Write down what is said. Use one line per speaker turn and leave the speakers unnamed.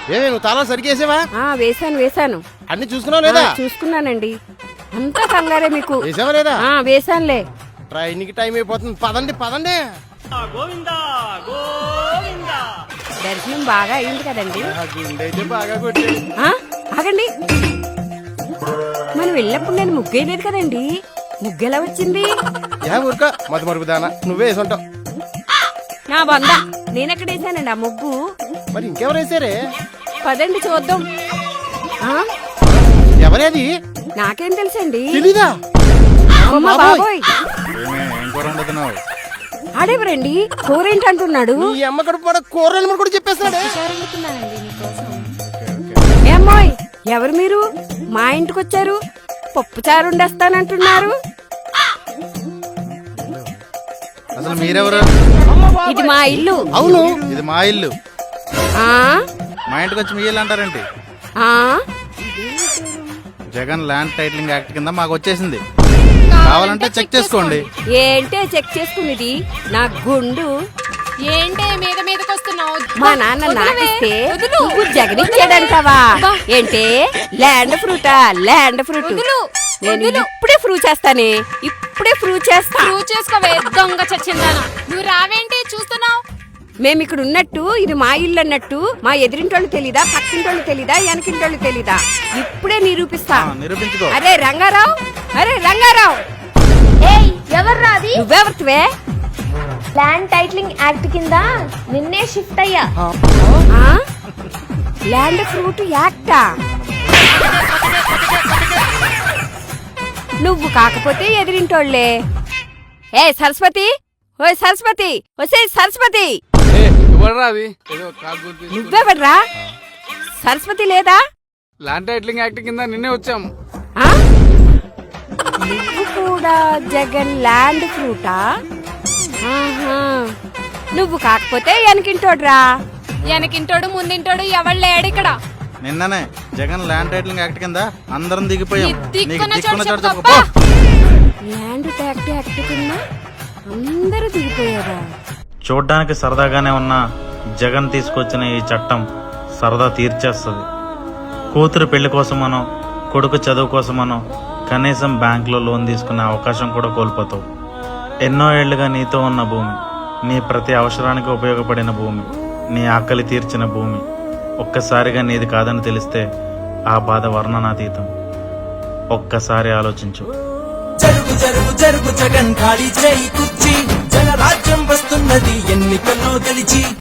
ఏమే నువ్వు తాళాలు సరిగేసావా?
వేశాను
అన్ని చూసుకున్నావు లేదా?
చూసుకున్నానండి. అంతా కంగారే మీకు.
వేసావా లేదా?
వేశానులే.
ట్రైన్కి టైం అయిపోతుంది. పదండి పదండి.
దర్శనం బాగా అయింది కదండి.
గుండె బాగా కొట్టేది.
ఆగండి, మనం వెళ్ళినప్పుడు నేను ముగ్గేయలేదు కదండి. ముగ్గు ఎలా వచ్చింది?
ఊరుక మధు మరుపు దానా, నువ్వే వేసుంటావు.
నా బంద, నేనెక్కడ వేసానండి ఆ ముగ్గు?
మరి ఇంకెవరు వేసారే?
పదండి చూద్దాం.
ఎవరేది?
నాకేం తెలుసండి.
తెలీదా?
అమ్మ బాబోయ్, ఆడేవరండి? కూరేంటి అంటున్నాడు.
ఈ అమ్మ కడుపు కూడా కూరలు కూడా చెప్పేస్తాడు.
ఏమ్మోయ్, ఎవరు మీరు? మా ఇంటికి వచ్చారు, పప్పు చారు వండేస్తానంటున్నారు.
అసలు మీరెవరు?
ఇది మా ఇల్లు.
అవును,
ఇది మా ఇల్లు. మా ఇంటికి వచ్చి మీ ఇల్లు అంటారేంటి? జగన్ ల్యాండ్ టైటిలింగ్ యాక్ట్ కింద మాకు వచ్చేసింది. కావాలంటే చెక్ చేసుకోండి.
ఏంటే చెక్ చేసుకునేది? నా గుండు
ఏంటే మీద మీదకొస్తున్నావు?
మా నాన్న నాకిస్తే నువ్వు జగనిచ్చాడంటావా? ఏంటే ల్యాండ్ ఫ్రూటా? ల్యాండ్ ఫ్రూట్ నేను ఇప్పుడే ప్రూవ్ చేస్తానే, ఇప్పుడే ప్రూవ్ చేస్తా.
ప్రూవ్ చేసుకోవే దొంగ చచ్చిందానా. నువ్వు రావేంటి చూస్తున్నావు?
మేము ఇక్కడ ఉన్నట్టు ఇది మా ఇల్లు అన్నట్టు మా ఎదిరింటోళ్ళు తెలీదా? పక్కింటోళ్ళు తెలీదా? వెనకింటోళ్ళు తెలీదా? ఇప్పుడే నిరూపిస్తా.
నిరూపించుకో.
అరే రంగారావు, అరే రంగారావు,
ఏయ్ ఎవర్రా అది?
నువ్వెవరివే?
ల్యాండ్ టైటిలింగ్ యాక్ట్ కింద నిన్నే షిఫ్ట్ అయ్యా.
ల్యాండ్ ఫ్రూట్ యాక్టా? నువ్వు కాకపోతే ఎదిరింటోళ్లే. ఏ సరస్వతి, ఓ సరస్వతి, వసే సరస్వతి, నువ్వెవడ్రా? సరస్వతి లేదా?
ల్యాండ్ టైటిలింగ్ యాక్ట్ కింద నిన్నే వచ్చాము.
నువ్వు కూడా జగన్ ల్యాండ్ ఫ్రూటా? నువ్వు కాకపోతే వెనకింటోడ్రా.
వెనకింటోడు ముందింటోడు ఎవడు లేడు ఇక్కడ.
నిన్ననే జగన్ ల్యాండ్ టైటిలింగ్ యాక్ట్ కింద అందరం దిగిపోయాం.
దిక్కున్న చోటు
చోటు
చెప్పు.
చెప్పు.
ల్యాండ్ ట్యాక్ట్ యాక్ట్ కింద అందరూ దిగిపోయారా?
చూడ్డానికి సరదాగానే ఉన్న జగన్ తీసుకొచ్చిన ఈ చట్టం సరదా తీర్చేస్తుంది. కూతురు పెళ్లి కోసమనో కొడుకు చదువు కోసమనో కనీసం బ్యాంకులో లోన్ తీసుకునే అవకాశం కూడా కోల్పోతావు. ఎన్నో ఏళ్లుగా నీతో ఉన్న భూమి, నీ ప్రతి అవసరానికి ఉపయోగపడిన భూమి, నీ ఆకలి తీర్చిన భూమి ఒక్కసారిగా నీది కాదని తెలిస్తే ఆ బాధ వర్ణనాతీతం. ఒక్కసారి ఆలోచించు.
జరుగు జరుగు జరుగు జగన్ ఖాళీ చేయి కుర్చీ, జనరాజ్యం వస్తున్నది ఎన్నికల్లో గెలిచి.